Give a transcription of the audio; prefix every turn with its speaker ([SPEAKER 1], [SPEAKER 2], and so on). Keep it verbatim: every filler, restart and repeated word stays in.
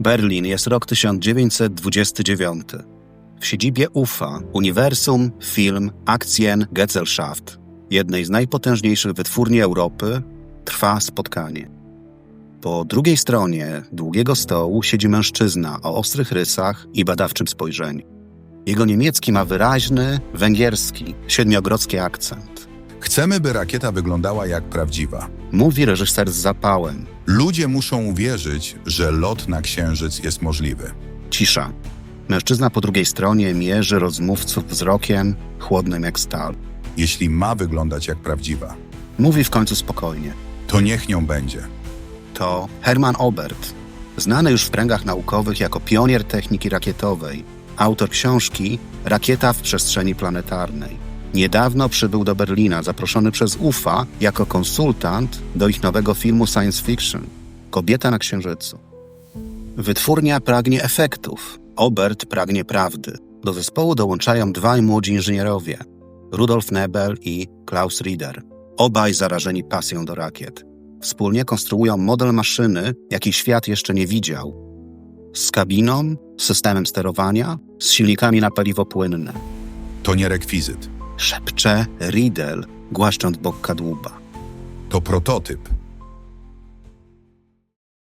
[SPEAKER 1] Berlin, jest rok tysiąc dziewięćset dwudziesty dziewiąty. W siedzibie U F A, Uniwersum Film Aktiengesellschaft, jednej z najpotężniejszych wytwórni Europy, trwa spotkanie. Po drugiej stronie długiego stołu siedzi mężczyzna o ostrych rysach i badawczym spojrzeniu. Jego niemiecki ma wyraźny, węgierski, siedmiogrodzki akcent.
[SPEAKER 2] Chcemy, by rakieta wyglądała jak prawdziwa.
[SPEAKER 1] Mówi reżyser z zapałem.
[SPEAKER 2] Ludzie muszą uwierzyć, że lot na Księżyc jest możliwy.
[SPEAKER 1] Cisza. Mężczyzna po drugiej stronie mierzy rozmówców wzrokiem, chłodnym jak stal.
[SPEAKER 2] Jeśli ma wyglądać jak prawdziwa,
[SPEAKER 1] Mówi w końcu spokojnie.
[SPEAKER 2] to niech nią będzie.
[SPEAKER 1] To Hermann Oberth, znany już w kręgach naukowych jako pionier techniki rakietowej, autor książki Rakieta w przestrzeni planetarnej. Niedawno przybył do Berlina, zaproszony przez U F A jako konsultant do ich nowego filmu science fiction Kobieta na Księżycu. Wytwórnia pragnie efektów, Oberth pragnie prawdy. Do zespołu dołączają dwaj młodzi inżynierowie, Rudolf Nebel i Klaus Rieder, obaj zarażeni pasją do rakiet. Wspólnie konstruują model maszyny, jaki świat jeszcze nie widział. Z kabiną, systemem sterowania, z silnikami na paliwo płynne.
[SPEAKER 2] To nie rekwizyt.
[SPEAKER 1] Szepcze Riedel, głaszcząc bok kadłuba.
[SPEAKER 2] To prototyp.